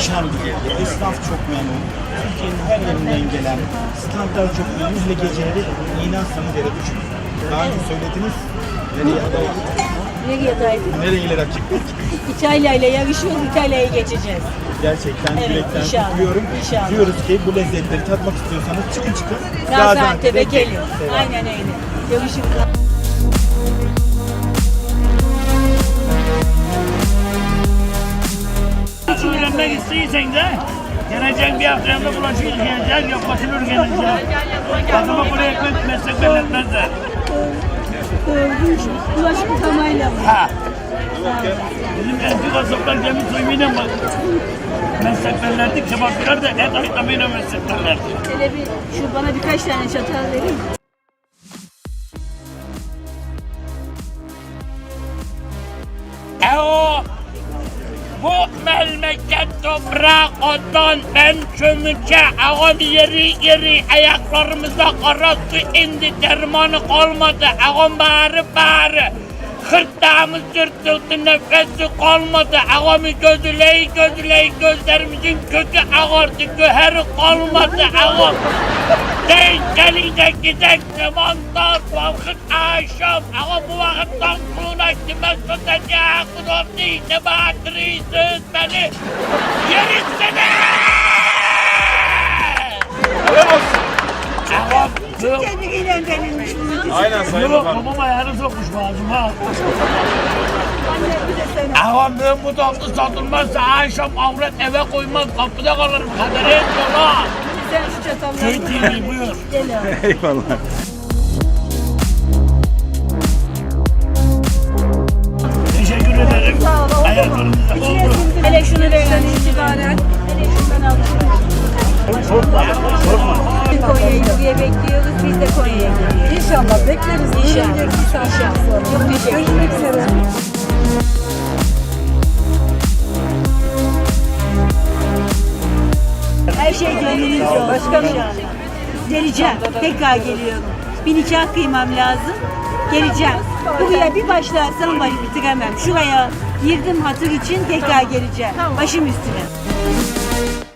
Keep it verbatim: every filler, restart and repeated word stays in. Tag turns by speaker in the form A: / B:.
A: muhteşem bir yer. Esnaf çok memnun. Türkiye'nin her yerinden gelen standlar çok memnun. Hele geceleri inansanız yere düşün. Daha önce söylediniz. Nereye adaydık?
B: Nereye adaydık?
A: Nerelere çıktık?
B: İtalya ile yarışıyoruz, İtalya'ya geçeceğiz.
A: Gerçekten
B: Evet,
A: yürekten
B: inşallah,
A: kutluyorum.
B: inşallah.
A: Diyoruz ki bu lezzetleri tatmak istiyorsanız çıkın çıkın.
B: Gaziantep'e gelin.
A: Selam.
B: Aynen öyle. Görüşürüz.
C: Öğrenmek istiyorsan da gelecek bir hafta yanında bulaşık yıkayacak, yok fasulye gelecek. Bakıma buraya ekmek meslek belirtmezler.
B: Bulaşık yıkamayla mı?
C: Ha. Bizim eski kasaplar gemi soymayla bak. Meslek belirlerdi, kebapçılar da et ayıklamayla meslek belirlerdi.
B: Hele bir, şu bana birkaç tane çatal verin.
C: E o bu memleket toprağı ondan ben çömüce ağam yeri yeri ayaklarımıza kara su indi dermanı kalmadı ağam bağırı bağırı hırtlağımız yırtıldı nefesi kalmadı ağamı gözüleyi gözüleyi gözlerimizin kökü ağardı göheri kalmadı ağam denk gelince gidek zamanlar vakit akşam ağam bu vakitten kuluna kime tutacak kulüptü ne batırıysınız beni yerisine ağam yok.
B: Kendiliğiyle denilmiş bunu.
A: Aynen Sayın
C: Yok,
A: Bakan.
C: babam ayağını sokmuş bağcıma. Ağam ben bu tatlı satılmazsa akşam avret eve koymaz, kapıda kalırım. Kadere et yola.
B: Sen şu çatalları.
C: Köy T V buyur.
B: Gel abi.
A: Eyvallah.
C: Teşekkür ederim.
B: Sağ ol. Oldu mu?
C: Ayaklarınızda
B: İçine
C: oldu.
B: sindim. Hele şunu verin itibaren. Hele şundan al.
C: Sorma, sorma.
B: Konya'yı buraya bekliyoruz. Biz de Konya'ya geliyoruz.
D: İnşallah bekleriz.
B: İnşallah.
D: İnşallah.
B: Çok teşekkür ederim.
D: Görüşmek üzere.
B: Her şey gönlünüzce olsun. Başkanım. Geleceğim. Tekrar geliyorum. Bir nikah kıymam lazım. Geleceğim. Buraya bir başlarsam başı bitiremem. Şuraya girdim hatır için tekrar geleceğim. Başım üstüne.